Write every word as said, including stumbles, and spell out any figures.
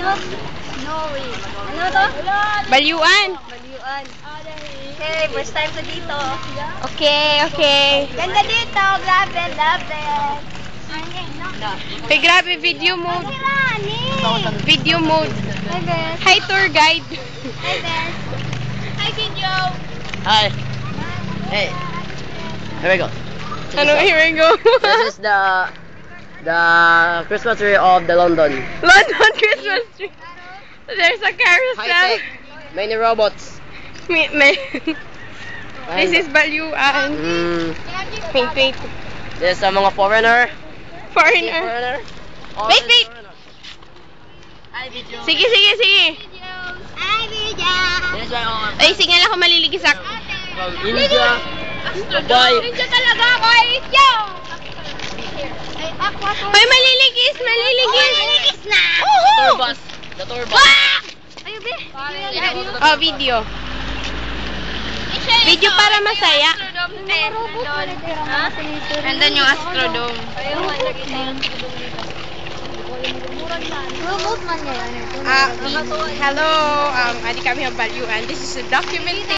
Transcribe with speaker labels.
Speaker 1: Snowy. Ano to?
Speaker 2: Balyuan.
Speaker 1: Balyuan. Okay, first time ko dito.
Speaker 2: Okay, okay.
Speaker 1: Ganda dito. Love it, love it.
Speaker 2: Hey, grabe, video mode. Video mode.
Speaker 1: Hi, Beth.
Speaker 2: Hi, tour guide.
Speaker 1: Hi, Beth. Hi, Kinjo.
Speaker 3: Hi. Hey. Here we go.
Speaker 2: Ano, here we go.
Speaker 3: This is the the Christmas tree of the London.
Speaker 2: London Christmas tree. There's a carousel.
Speaker 3: High tech. Many robots.
Speaker 2: May, may. This is Balyuan.
Speaker 3: Mm,
Speaker 2: Wait, wait.
Speaker 3: this is a mga foreigner.
Speaker 2: Foreigner.
Speaker 3: Foreigner. All
Speaker 2: Wait,
Speaker 3: is
Speaker 2: wait.
Speaker 3: foreigner. Hi, video.
Speaker 2: Sige, sige, sige.
Speaker 1: Hi, Video.
Speaker 3: This is my own
Speaker 2: Ay, sige lang ako maliligisak.
Speaker 3: from India. Dubai.
Speaker 1: Ninja talaga ako, Video. Ay, aqua to.
Speaker 2: Ay, maliligis, maliligis.
Speaker 1: Maliligis na.
Speaker 3: Tour bus. The tour bus.
Speaker 1: Ayun, Be.
Speaker 2: Oh, video. Video para masaya. Nandun yung Astrodome.
Speaker 1: Robot man yan.
Speaker 2: Ah, hello. Um, adik kami ang Balyuan. This is a documentation.